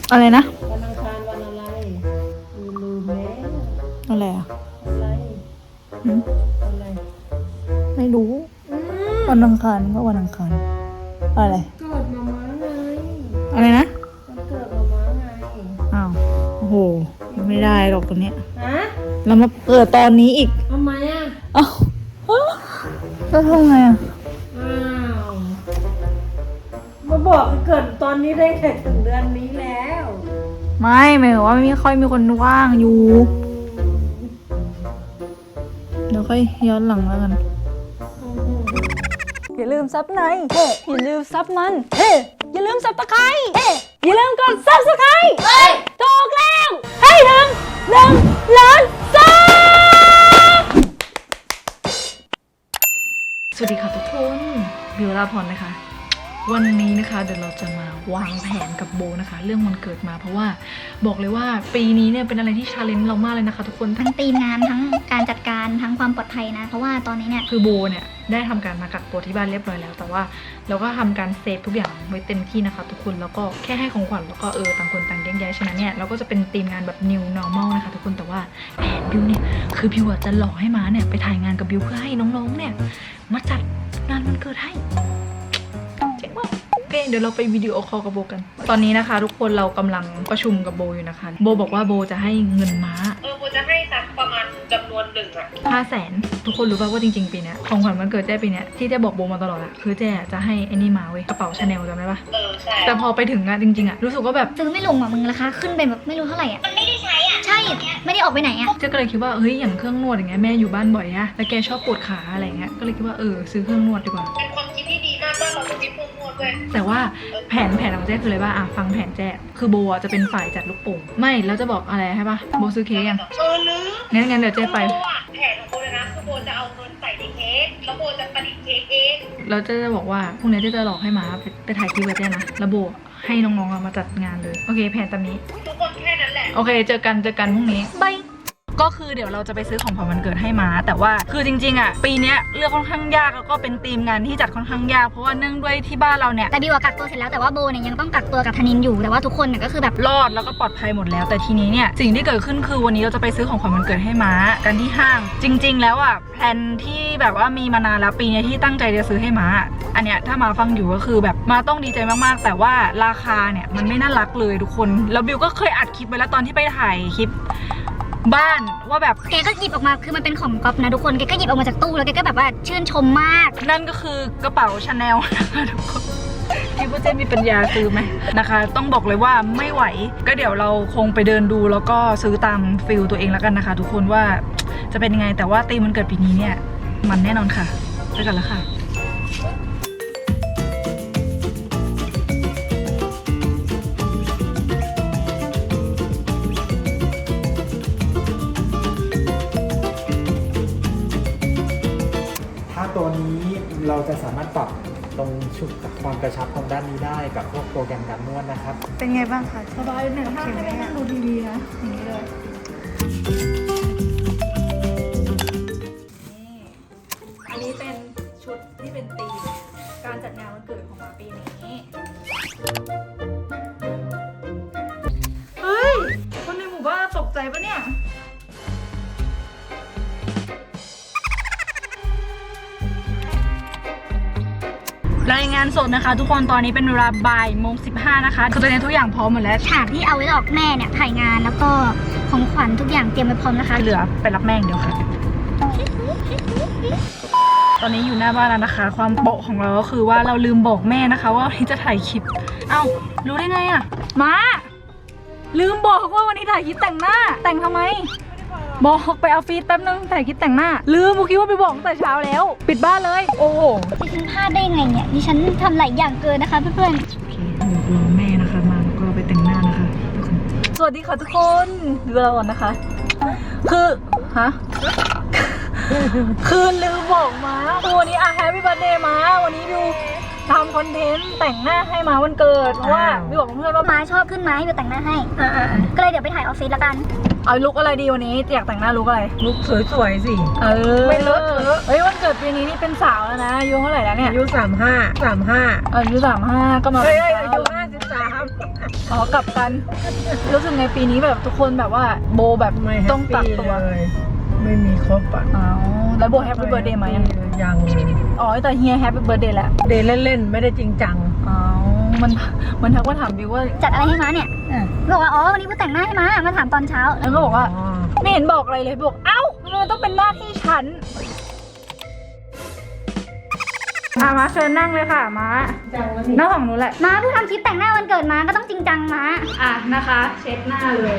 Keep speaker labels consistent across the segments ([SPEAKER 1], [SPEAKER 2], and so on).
[SPEAKER 1] อะไรนะ
[SPEAKER 2] วันอังคารวันอะไรลืมแล้ว
[SPEAKER 1] อะไรอ่ะ
[SPEAKER 2] อะไรอะไร
[SPEAKER 1] ไม่รู้วันอังคารก็วันอังคารอะไร
[SPEAKER 2] เกิดมาม้าไง
[SPEAKER 1] อะไรนะ
[SPEAKER 2] วันเกิดมาม้าไง
[SPEAKER 1] อ้าวโอ้โหไม่ได้หรอกตัวเนี้ย
[SPEAKER 2] ฮะ
[SPEAKER 1] เรามาเปิดตอนนี้อีก
[SPEAKER 2] ทำไมอ่ะ
[SPEAKER 1] อ้าวแล้วทำไงอ่ะ
[SPEAKER 2] อ้าวมาบอกเกิดตอนนี้ได้แค่ถึงเดือนนี้แล้ว
[SPEAKER 1] ไม่หมายถึงว่าไม่ค่อยมีคนว่างอยู่เดี๋ยวค่อยย้อนหลังแล้วกันอย่าลืมซับในอย่าลืมซับมันอย่าลืมซับตะไคร้อย่าลืมกดซับสไครต์ถูกแล้วให้ถึง1 ล้านซับสวัสดีค่ะทุกคนบิวลาพรนะคะวันนี้นะคะเดี๋ยวเราจะมาวางแผนกับโบนะคะเรื่องวันเกิดมาเพราะว่าบอกเลยว่าปีนี้เนี่ยเป็นอะไรที่ชาเลนจ์เรามากเลยนะคะทุกคน
[SPEAKER 3] ทั้งทีมงานทั้งการจัดการทั้งความปลอดภัยนะเพราะว่าตอนนี้เนี่ย
[SPEAKER 1] คือโบเนี่ยได้ทำการมากักตัวที่บ้านเรียบร้อยแล้วแต่ว่าเราก็ทำการเซฟทุกอย่างไว้เต็มที่นะคะทุกคนแล้วก็แค่ให้ของขวัญแล้วก็ต่างคนต่างแยกย้ายฉะนั้นเนี่ยเราก็จะเป็นทีมงานแบบ new normal นะคะทุกคนแต่ว่าแผนบิวเนี่ยคือบิวจะหลอกให้ม้าเนี่ยไปถ่ายงานกับบิวเพื่อให้น้องๆเนี่ยมาจัดงานวันเกิดให้เจ๋งมากโอเคเดี๋ยวเราไปวิดีโอคอลกับโบกันตอนนี้นะคะทุกคนเรากำลังประชุมกับโบอยู่นะคะโบบอกว่าโบจะให้เงินม้า
[SPEAKER 2] โบจะให้สักประมาณจำนวนหนึ่งอะ
[SPEAKER 1] 500,000ทุกคนรู้ป่าวว่าจริงๆปีนี้ของขวัญวันเกิดแจ้ปีนี้ที่แจ้บอกโบมาตลอดอะคือแจ้จะให้ไอ้นี่มาเว้ยกระเป๋าชาแนลจำได้ปะ
[SPEAKER 2] ใช่
[SPEAKER 1] แต่พอไปถึงอะจริงๆอะรู้สึกว่าแบบ
[SPEAKER 3] ซื้อไม่ลงอ่ะมึงราคาขึ้นไปแบบไม่รู้เท่าไหร่อ่ะมันไม่ได้ใช้อ่ะใช่ไม่ได้ออกไปไหนอ่ะ
[SPEAKER 1] เจ้ก็เลยคิดว่าเฮ้ยอย่างเครื่องนวดอย่างเงี้ยแม่อยู่บ้านบ่อยอะแล้วแกชอบปวดขาอะไรเงี้ยก็เลยคิดว่าซื้อเครื่องนวดดีกว่า
[SPEAKER 2] เป็นความคิดที่ดีมากว่าเราจะมีเครื่องนวดด้วย
[SPEAKER 1] แต่ว่าแผนของแจ้คืออะไรบ้างฟังแผนแจ้คือโบจะเป็นฝ่ายจัดลูกโป่งไม่แล้วจะบอกอะไรให้ปะโบซื้อเค้กยัง
[SPEAKER 2] ลืม
[SPEAKER 1] งั้นเดี๋ยวแจ้ไป
[SPEAKER 2] แผนของโบเลยนะคือโบจะเอาเงินใส่ในเค้กแล้วโบจะประดิษฐ์เค้กเอง
[SPEAKER 1] แล้วเจ๊จะบอกว่าพรุ่งนี้เจ๊จะหลอกให้ม้าไปถ่ายคลิปกับเจ๊นะแล้วโบให้น้องๆมาจัดงานเลยโอเคแผนตามนี้
[SPEAKER 2] ทุกคนแค่นั้นแหละ
[SPEAKER 1] โอเคเจอกันพรุ่งนี้บายก็คือเดี๋ยวเราจะไปซื้อของขวัญวันเกิดให้ม้าแต่ว่าคือจริงๆอ่ะปีนี้เลือกค่อนข้างยากแล้วก็เป็นธีมงานที่จัดค่อนข้างยากเพราะว่าเนื่องด้วยที่บ้านเราเนี่ย
[SPEAKER 3] แต่บิวกักตัวเสร็จแล้วแต่ว่าโบเนี่ยยังต้องกักตัวกับธนินอยู่แต่ว่าทุกคนเนี่ยก็คือแบบ
[SPEAKER 1] รอดแล้วก็ปลอดภัยหมดแล้วแต่ทีนี้เนี่ยสิ่งที่เกิดขึ้นคือวันนี้เราจะไปซื้อของขวัญวันเกิดให้ม้ากันที่ห้างจริงๆแล้วอ่ะแพลนที่แบบว่ามีมานานแล้วปีนี้ที่ตั้งใจจะซื้อให้ม้าอันเนี้ยถ้ามาฟังอยู่ก็คือแบบม้าต้องดีใจมากๆแต่ว่าราคาเนี่ยมันไม่น่ารักเลยทุกคนแล้วบิวก็เคยอัดคลิปไว้แล้วตอนที่ไปถ่ายคลิปบ้านว่าแบบ
[SPEAKER 3] แกก็หยิบออกมาคือมันเป็นของก๊อฟนะทุกคนแกก็หยิบออกมาจากตู้แล้วแกก็แบบว่าชื่นชมมาก
[SPEAKER 1] นั่นก็คือกระเป๋าชาแนลนะคะทุกคนคิดว่าเจ๊มีปัญญาซื้อไหมนะคะต้องบอกเลยว่าไม่ไหวก็เดี๋ยวเราคงไปเดินดูแล้วก็ซื้อตามฟิลตัวเองแล้วกันนะคะทุกคนว่าจะเป็นยังไงแต่ว่าธีมวันเกิดปีนี้เนี่ยมันแน่นอนค่ะไปกันแล้วค่ะ
[SPEAKER 4] ตัวนี้เราจะสามารถปรับตรงชุดความกระชับตรงด้านนี้ได้กับพวกโปรแกรมการนวดนะครับ
[SPEAKER 1] เป็นไงบ้างคะสบายเนี่ยถ้าไม่ได้นั่งดูทีวีนะอย่างนี้เลยอันนี้เป็นชุดที่เป็นธีมการจัดงานวันเกิดของมาปีนี้เฮ้ยคนในหมู่บ้านตกใจปะเนี่ยรายงานสดนะคะทุกคนตอนนี้เป็นเวลาบ่ายโมง15นะคะคือตอนนี้ทุกอย่างพร้อมหมดแล้ว
[SPEAKER 3] ฉากที่เอาไว้หลอกแม่เนี่ยถ่ายงานแล้วก็ของขวัญทุกอย่างเตรียมไว้พร้อมนะคะ
[SPEAKER 1] เหลือไปรับแม่งเดียวค่ะตอนนี้อยู่หน้าบ้านแล้วนะคะความโปะของเราก็คือว่าเราลืมบอกแม่นะคะว่าวันนี้จะถ่ายคลิปเอ้ารู้ได้ไงอะมาลืมบอกว่าวันนี้ถ่ายคลิปแต่งหน้าแต่งทำไมบอกไปเอาฟีดแป๊บนึงถ่ายคลิปแต่งหน้าลืมคิดว่าไปบอกตั้งแต่เช้าแล้วปิดบ้านเลยโอ้โห
[SPEAKER 3] ดิฉันพลาดได้ไงเนี่ยดิฉันทำหลายอย่างเกินนะคะเพื่อน
[SPEAKER 1] ๆโอเครอแม่นะคะมาแล้วก็ไปแต่งหน้านะคะสวัสดีค่ะทุกคนดูเราก่อนนะคะคือคือลืมบอกมาวันนี้แฮปปี้เบิร์ธเดย์มาวันนี้ดูทำคอนเทนต์แต่งหน้าให้มาวันเกิดเพราะว่าพี่บอกเพื่อนว่า
[SPEAKER 3] ม้าชอบขึ้นม้าให้บิวแต่งหน้าให้ก็เลยเดี๋ยวไปถ่ายออฟฟิศละกัน
[SPEAKER 1] เอาลุกอะไรดีวันนี้อยากแต่งหน้าลุกอะไร
[SPEAKER 4] ลุกสวยๆสิ
[SPEAKER 1] ไม่เลอะเฮ้ยวันเกิดปีนี้นี่เป็นสาวแล้วนะอายุเท่าไหร่แล้วเนี่ย
[SPEAKER 4] อายุ35
[SPEAKER 1] อายุ35ก็มา
[SPEAKER 4] อายุ53
[SPEAKER 1] อ๋อกลับกันรู้สึกไงปีนี้แบบทุกคนแบบว่าโบแบบ
[SPEAKER 2] ไม่
[SPEAKER 1] ต้องกักตัว
[SPEAKER 2] เลยไม่มีครบอ่ะ
[SPEAKER 1] อ๋อแล้วโบแฮปปี้เบิร์ดเดย์ไหมยัง
[SPEAKER 2] ยัง
[SPEAKER 1] อ๋อแต่เฮียแฮปปี้เบิร์ดเดย์แหละ
[SPEAKER 2] เดย์เล่นๆไม่ได้จริงจัง
[SPEAKER 1] อ๋อมันทักว่าถามบิวว่า
[SPEAKER 3] จัดอะไรให้ม้าเนี่ยบอกว่าอ๋อวันนี้กูแต่งหน้าให้ม้ามาถามตอนเช้า
[SPEAKER 1] แล้วก็บอกว่าไม่เห็นบอกอะไรเลยบอกเอ้ามันต้องเป็นหน้าที่ฉันมาเชิญนั่งเลยค่ะมาหน้าของหนูแหละ
[SPEAKER 3] ม้าเพิ่งทำคลิปแต่งหน้าวันเกิดม้าก็ต้องจริงจังม้า
[SPEAKER 1] นะคะเช็ดหน้าเลย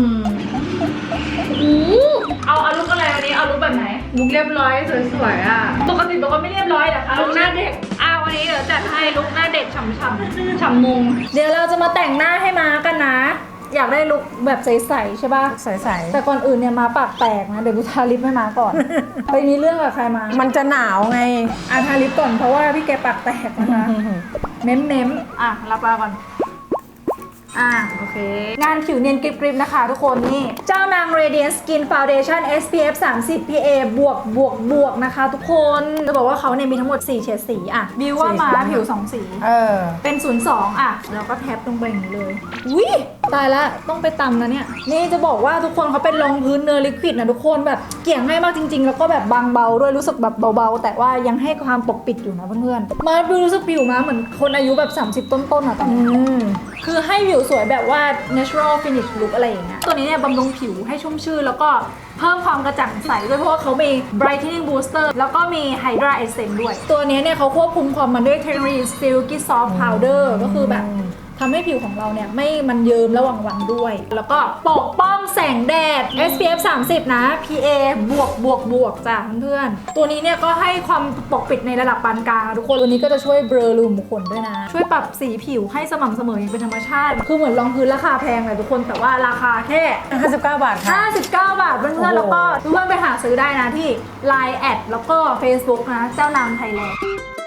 [SPEAKER 1] เอาลุกอะไรวันนี้เอาลุกแบบไหนลุกเรียบร้อยสวยๆปกติบอกว่าไม่เรียบร้อยนะคะลุกหน้าเด็กวันนี้เดี๋ยวจัดให้ลุกหน้าเด็กฉ่ำฉ่ำมุงเดี๋ยวเราจะมาแต่งหน้าให้ม้ากันนะอยากได้ลุคแบบใสๆใช่ป่ะ
[SPEAKER 2] ใส
[SPEAKER 1] แต่ก่อนอื่นเนี่ยม้าปากแตกนะเดี๋ยวกูทาลิปให้ม้าก่อน ไปมีเรื่องกับใครมา
[SPEAKER 2] ๆมันจะหนาวไง
[SPEAKER 1] ทาลิปก่อนเพราะว่าพี่แกปากแตกนะคะเม้มรับปลาก่อนโอเคงานผิวเนียนกริบๆนะคะทุกคนนี่เจ้านาง Radiant Skin Foundation SPF 30 PA บวกนะคะทุกคนจะบอกว่าเขาเนี่ยมีทั้งหมด4เฉดสีบิวว่ามาผิว2สีเป็น02แล้วก็แท็บลงไปอย่างนี้เลยอุ้ยตายละต้องไปตำนะเนี่ยนี่จะบอกว่าทุกคนเขาเป็นรองพื้นเนื้อลิควิดนะทุกคนแบบเกี่ยงให้มากจริงๆแล้วก็แบบบางเบาด้วยรู้สึกแบบเบาๆแต่ว่ายังให้ความปกปิดอยู่นะเพื่อนๆมาดูรู้สึกผิวมาเหมือนคนอายุแบบ30ต้นๆตอนนี้คือให้ผิวสวยแบบว่า natural finish look อะไรอย่างเงี้ยตัวนี้เนี่ยบำรุงผิวให้ชุ่มชื่นแล้วก็เพิ่มความกระจ่างใสด้วยเพราะว่าเขามี brightening booster แล้วก็มี hydra essence ด้วยตัวนี้เนี่ยเขาควบคุมความมันด้วยเทคโนโลยี silky soft powder ก็คือแบบทำให้ผิวของเราเนี่ยไม่มันเยิ้มระหว่างวันด้วย แล้วก็ปกป้องแสงแดด SPF 30 นะ PA บวกจ้ะเพื่อนๆตัวนี้เนี่ยก็ให้ความปกปิดในระดับปานกลางทุกคนตัวนี้ก็จะช่วยเบลอรูขุมขนด้วยนะช่วยปรับสีผิวให้สม่ำเสมออย่างเป็นธรรมชาติคือเหมือนรองพื้นราคาแพงเลยทุกคนแต่ว่าราคาแค่
[SPEAKER 2] 59 บาทค่ะ
[SPEAKER 1] 59 บาทเพื่อนๆแล้วก็ทุกคนไปหาซื้อได้นะที่ Line แอดแล้วก็ Facebook นะเจ้านางไทยแลนด์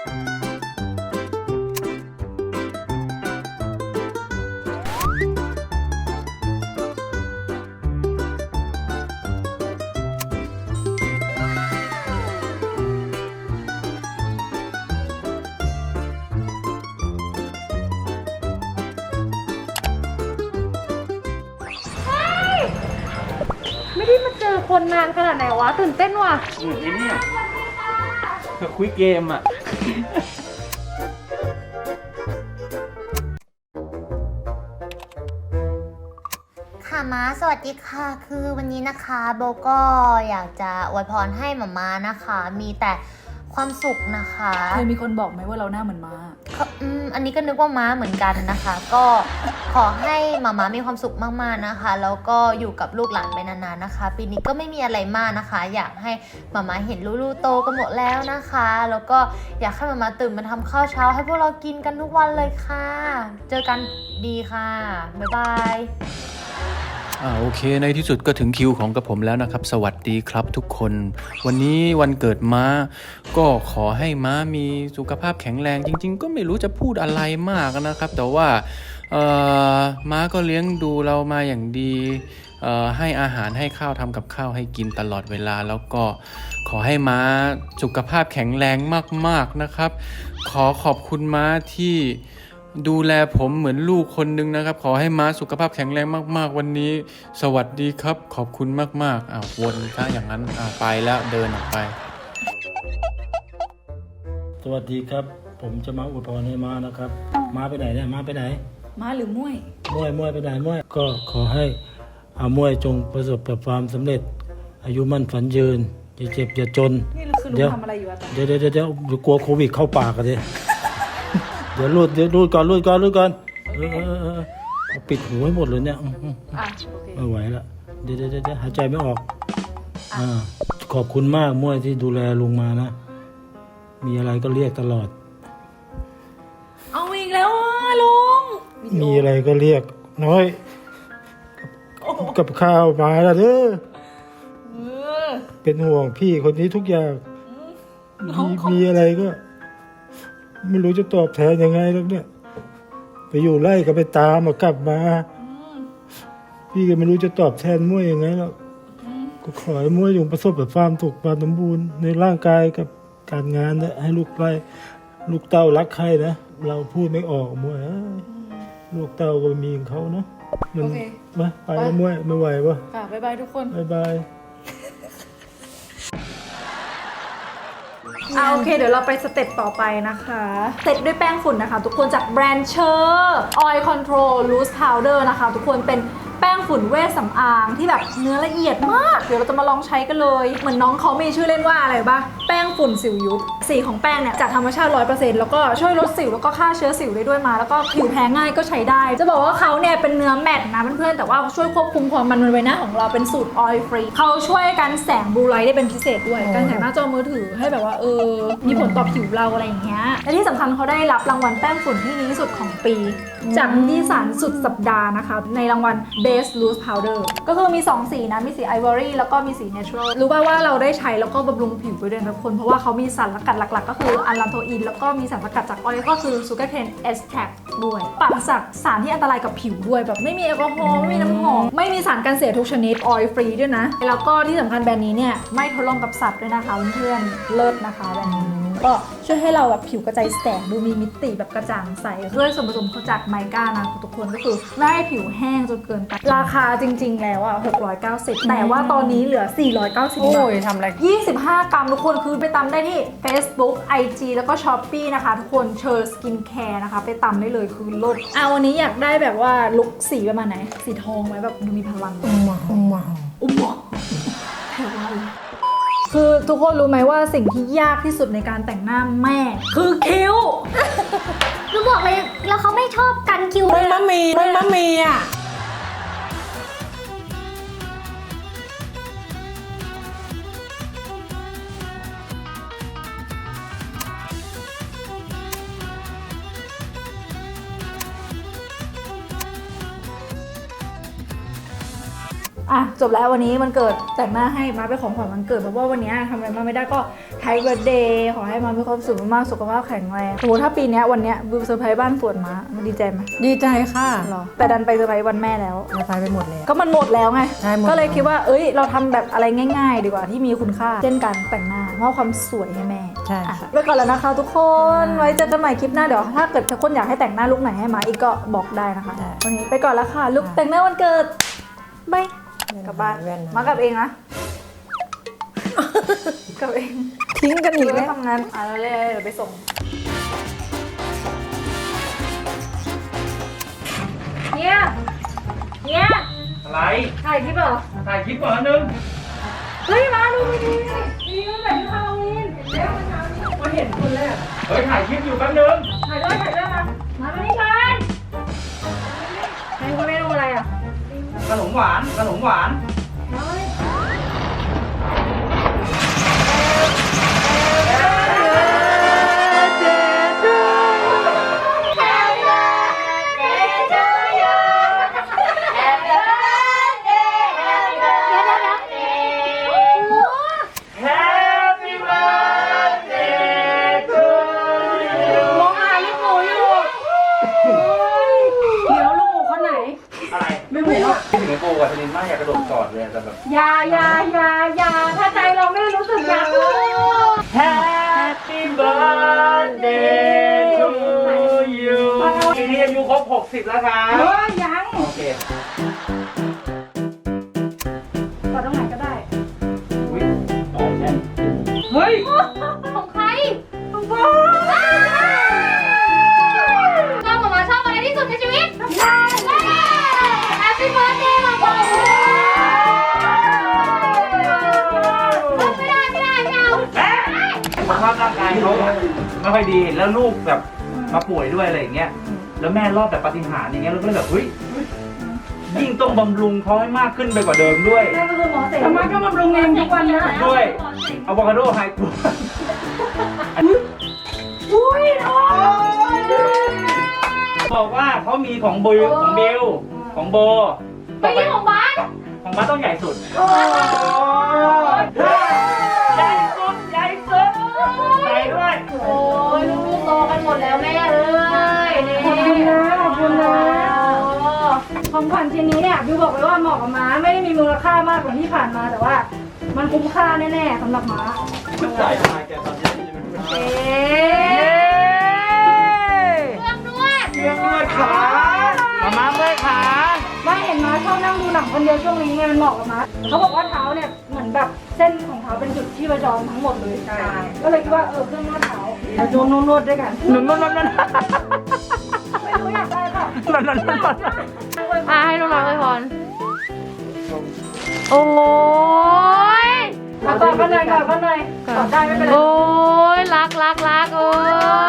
[SPEAKER 1] ไม่ได้มาเจอคนนานขนาดไหนวะตื่นเต้นว่ะ
[SPEAKER 4] ไอ้เนี่ยคุยเกม
[SPEAKER 5] ค่ะม้าสวัสดีค่ะคือวันนี้นะคะโบก็อยากจะอวยพรให้หม่าม้านะคะมีแต่ความสุขนะคะ
[SPEAKER 1] เคยมีคนบอกไหมว่าเราหน้าเหมือนม้า
[SPEAKER 5] อันนี้ก็นึกว่าม้าเหมือนกันนะคะ ก็ขอให้หม่าม้ามีความสุขมากๆนะคะแล้วก็อยู่กับลูกหลานไปนานๆนะคะปีนี้ก็ไม่มีอะไรมากนะคะ อยากให้หม่าม้าเห็นลูกๆโตกันหมดแล้วนะคะแล้วก็อยากให้หม่าม้าตื่นมาทำข้าวเช้าให้พวกเรากินกันทุกวันเลยค่ะเจอกันดีค่ะบ๊ายบาย
[SPEAKER 6] โอเคในที่สุดก็ถึงคิวของกับผมแล้วนะครับสวัสดีครับทุกคนวันนี้วันเกิดม้าก็ขอให้ม้ามีสุขภาพแข็งแรงจริงๆก็ไม่รู้จะพูดอะไรมากนะครับแต่ว่าม้าก็เลี้ยงดูเรามาอย่างดีให้อาหารให้ข้าวทำกับข้าวให้กินตลอดเวลาแล้วก็ขอให้ม้าสุขภาพแข็งแรงมากๆนะครับขอบคุณม้าที่ดูแลผมเหมือนลูกคนนึงนะครับขอให้ม้าสุขภาพแข็งแรงมากๆวันนี้สวัสดีครับขอบคุณมากๆวนถ้าอย่างนั้นไปแล้วเดินออกไป
[SPEAKER 7] สวัสดีครับผมจะมาอวยพรให้ม้านะครับม้าไปไหนเนี่ยม้าไปไหน
[SPEAKER 1] ม้าหรือม้วย
[SPEAKER 7] ม้วยไปไหนม้วยก็ขอให้ม้วยจงประสบความสำเร็จอายุมั่นฝันยืนอย่าเจ็บอย่าจน
[SPEAKER 1] นี่คือลุงทำอะไรอยู่อะ
[SPEAKER 7] เดี๋ยวกลัวโควิดเข้าปากกันดิเดี๋ยวรูดก่อนปิดหูให้หมดเลยเนี่ยไม่ไหวละเดี๋ยวหายใจไม่ออกขอบคุณมากม้วยที่ดูแลลุงมานะมีอะไรก็เรียกตลอด
[SPEAKER 1] เอาอีกแล้วลุง
[SPEAKER 7] มีอะไรก็เรียกน้อยกับข้าวมาแล้วเด้อเป็นห่วงพี่คนนี้ทุกอย่างมีอะไรก็ไม่รู้จะตอบแทนยังไงแล้วเนี่ยไปอยู่ไล่ก็ไปตามมากลับมาพี่ก็ไม่รู้จะตอบแทนม้วยยังไงแล้วก็ขอให้ม้วยจงประสบกับความสุขความสมบูรณ์ในร่างกายกับการงานนะให้ลูกเต้ารักใครนะเราพูดไม่ออกม้วยลูกเต้าก็มีของเขาเนาะมัน
[SPEAKER 1] โอเค
[SPEAKER 7] มาไปแล้วไม่ไหวปะ
[SPEAKER 1] ค่ะบ๊ายบายทุกคน
[SPEAKER 7] บายบาย
[SPEAKER 1] โอเคเดี๋ยวเราไปสเต็ปต่อไปนะคะเสร็จด้วยแป้งฝุ่นนะคะทุกคนจากแบรนด์เชอร์ Oil Control Loose Powder นะคะทุกคนเป็นแป้งฝุ่นเวชสำอางที่แบบเนื้อละเอียดมากเดี๋ยวเราจะมาลองใช้กันเลยเหมือนน้องเขามีชื่อเล่นว่าอะไรบ้างแป้งฝุ่นสิวยุบสีของแป้งเนี่ยจากธรรมชาติ 100% แล้วก็ช่วยลดสิวแล้วก็ฆ่าเชื้อสิวได้ด้วยมาแล้วก็ผิวแพ้ง่ายก็ใช้ได้จะบอกว่าเขาเนี่ยเป็นเนื้อแมตต์นะเพื่อนๆแต่ว่าช่วยควบคุมความมันบนใบหน้าของเราเป็นสูตร oil free เขาช่วยกันแสงบลูไลท์ได้เป็นพิเศษด้วยการแสงหน้าจอมือถือให้แบบว่ามีผลต่อผิวเราอะไรอย่างเงี้ยและที่สำคัญเขาได้รับรางวัลแป้งฝุ่นที่ดีที่สุดของปี จากนิตยสารสุดสัปดาห์นะคะในรางวัล Best Loose Powder ก็คือมี 2 สีนะมีสี Ivory แล้วก็มีสี Natural รู้ป่าวว่าเราได้ใช้แล้วก็บำรุงผิวไปด้วยนะทุกคนเพราะว่าเขามีสารสกัดหลักๆ ก็คืออัลลันโทอินแล้วก็มีสารสกัดจากออยล์ก็คือ Sugarcane Extract ด้วยปราศจากสารที่อันตรายกับผิวด้วยแบบไม่มีแอลกอฮอล์ไม่มีน้ำหอมไม่มีสารกันเสียทุกชนิด oil free ด้วยนะแล้วก็ที่สำคัญแบรนด์นี้เนี่ยไม่ทดลองกับสัตว์ด้วยนะคะเพื่อนๆเลิศนะคะแบรนด์นี้ก็ช่วยให้เราแบบผิวกระจายแสงดูมีมิติแบบกระจ่างใสด้วยส่วนผสมเขาจากไมก้านะทุกคนก็คือไม่ให้ผิวแห้งจนเกินไปราคาจริงๆแล้วอ่ะ690แต่ว่าตอนนี้เหลือ490
[SPEAKER 2] โอ้
[SPEAKER 1] บาท
[SPEAKER 2] ยทำอะไร
[SPEAKER 1] 25 กรัมทุกคนคือไปตำได้ที่ Facebook IG แล้วก็ Shopee นะคะทุกคนเชอร์สกินแคร์นะคะไปตำได้เลยคือลดวันนี้อยากได้แบบว่าลุคสีประมาณไหนสีทองไหมแบบดูมีพลังอุ้มหมอแถวว่าคือทุกคนรู้ไหมว่าสิ่งที่ยากที่สุดในการแต่งหน้าแม่ คือคิ้ว
[SPEAKER 3] คือบอกเลยแล้วเขาไม่ชอบกันคิว
[SPEAKER 2] มันมะมีอ่ะ
[SPEAKER 1] จบแล้ววันนี้มันเกิดแต่งหน้าให้มาเป็นของขวัญวันเกิดเพราะว่าวันนี้ทำอะไรมาไม่ได้ก็ไทยเบิร์ดเดย์ขอให้มามีความสุขมากๆสุขภาพแข็งแรงสมมติถ้าปีนี้วันนี้วิวเซอร์ไพรส์บ้านสวนมามันดีใจไหม
[SPEAKER 2] ดีใจค่ะ
[SPEAKER 1] หรอแต่ดันไปเซอร์ไพรส์วันแม่แล้ว
[SPEAKER 2] เราไปหมดแล้ว
[SPEAKER 1] ก็มันหมดแล้วไง
[SPEAKER 2] ใช่หมด
[SPEAKER 1] ก็เลยคิดว่าเราทำแบบอะไรง่าย ๆ ดีกว่าที่มีคุณค่าเช่นการแต่งหน้ามอบความสวยให้แม่
[SPEAKER 2] ใช่ค่ะ
[SPEAKER 1] ไปก่อนแล้วนะคะทุกคน ไว้เจอกันใหม่คลิปหน้าเดี๋ยวถ้าเกิดทุกคนอยากให้แต่งหน้าลุคไหนให้มาอีกก็บอกได้นะคะ
[SPEAKER 2] ได้
[SPEAKER 1] วันนี้ไปก่อนแล้วค่ะลุคแต่งหน้าวันเกิดบายกลับบ้าน
[SPEAKER 2] แว่นนะ
[SPEAKER 1] มากลับเองนะ กลับเอง
[SPEAKER 2] ทิ้งกันอีก
[SPEAKER 1] ไม่
[SPEAKER 2] แล้ว
[SPEAKER 1] ทำงานแล้วเลยเดี๋ยวไปส่งเนี่ย
[SPEAKER 4] อะไร
[SPEAKER 1] ถ่ายคลิปเหรอ
[SPEAKER 4] ถ่ายคลิปก่อนนึง
[SPEAKER 1] เฮ้ยมาดูดีดีมันแบบฮาโลวีนเร็วมันเช้านี้มาเห็นคนแรก
[SPEAKER 4] เฮ้ยถ่ายคลิปอยู่แป๊บนึง
[SPEAKER 1] ถ่ายด้วยมาไม่ได้กันให้คุณเมนูอะไรอ่ะ
[SPEAKER 4] ขนมหวาน Happy birthday to you
[SPEAKER 2] มองหาลูกหมูอยู่เดี๋ยวลูกหมูคนไหน
[SPEAKER 4] อะไร
[SPEAKER 2] ไม่รู้อะ
[SPEAKER 4] คิดถึงไอ้โบกับธนินมากอยากกระโดดกอดเลยแต่แบบ
[SPEAKER 2] อย่าถ้าใจเราไม่รู้สึกอยากรู้
[SPEAKER 4] Happy birthday to you ปีนี้อายุครบ 60 แล้วครับ
[SPEAKER 2] ยัง
[SPEAKER 4] โอเค
[SPEAKER 1] กดตรงไหนก็ได้
[SPEAKER 4] อุ๊ยต่อใช่
[SPEAKER 2] เฮ้ย
[SPEAKER 3] ของใครของโบเราหมาชอบอะไรที่สุดในชีวิตแฮปปี้เบิร์ดเดย์มาโบไม่เอา
[SPEAKER 4] สุขภาพร่างกายเขาไม่ค่อยดีแล้วลูกแบบมาป่วยด้วยอะไรอย่างเงี้ยแล้วแม่รอดแบบปาฏิหาริย์อย่างเงี้ยเราก็เลยแบบเฮ้ยยิ่งต้องบำรุงเขาให้มากขึ้นไปกว่าเดิมด้วย
[SPEAKER 1] แม่ก็คือหมอเสก
[SPEAKER 2] ทำไมก็บำรุงเองทุกวันนะ
[SPEAKER 4] ด้วยอะโวคาโดไฮกรูบอกว่าเขามีของบิลของโบ
[SPEAKER 3] ไปที่ของบ้าน
[SPEAKER 4] ของบ้านต้องใหญ่สุด
[SPEAKER 1] โอ้
[SPEAKER 4] ใหญ่สุดใหญ่ด้วย
[SPEAKER 1] โอ้ยลูกๆโตกันหมดแล้วแม่เอ้ยนี่
[SPEAKER 2] ขอบคุณนะของขวัญชิ้นนี้เนี่ยบิวบอกไว้ว่าเหมาะกับม้าไม่ได้มีมูลค่ามากกว่าที่ผ่านมาแต่ว่า มันคุ้มค่าแน่ๆสำหรับม้า
[SPEAKER 4] จ่ายทำไมแกตอนนี้
[SPEAKER 1] เอ๊
[SPEAKER 3] เครื่องนวด
[SPEAKER 4] เรื่องนวดขามาเมื่อยขา
[SPEAKER 2] ไม่เห็นม้าชอบนั่งดูหนังคนเดียวช่วงนี้ไงมันเหมาะกับม้าเขาบอกว่าเท้าเนี่ยเหมือนแบบเส้นของเท้าเป็นจุดที่ประจรทั้งหมดเลยใช่ก็เลยคิดว่าเครื่องนวดเท้าเราดูนวดด้วยกัน
[SPEAKER 4] นุ่นนุ่นนุ่นนุ่น
[SPEAKER 2] ไม่รู้อยากได้เปล่า
[SPEAKER 4] นุ่นนุ่นนุ่น
[SPEAKER 3] ให้น้องๆเลยพรโอ้ย
[SPEAKER 2] กอดกันหน่อยกอดกันหน่อยกอดได้ไม่เป็นไร
[SPEAKER 3] โอ้ยรักโอ้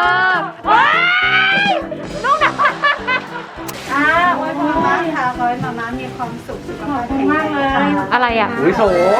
[SPEAKER 3] ยน้องหนา
[SPEAKER 2] อวยพรมากค่ะขอให้มาม่ามีความสุขสุขภาพแข็งแรงมากเลย
[SPEAKER 3] อะไรอ่ะ
[SPEAKER 4] อุ้ยโสม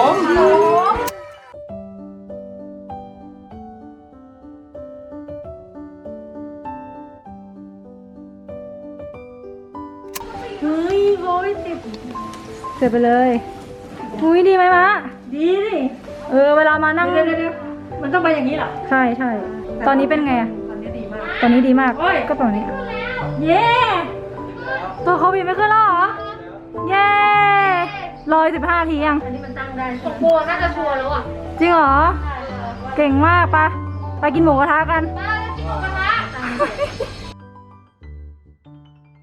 [SPEAKER 2] เฮ้ยโว้ยติดเสร็จไปเลยอุ้ยดีไหมมะดีดิเวลามานั่งเดี๋ยวมันต้องไปอย่างนี้เหรอใช่ใช่ตอนนี้เป็นไงอะตอนนี้ดีมากก็ตอนนี้เย้ตัวโควิดไม่ขึ้นแล้วเหรอเย้115 ทียัง
[SPEAKER 3] โบน่าจะชัวร์แล้วอ่ะ
[SPEAKER 2] จริงเหรอเก่งมากไปกินหมูกระทะกัน
[SPEAKER 3] มาจะกินหมูกระทะ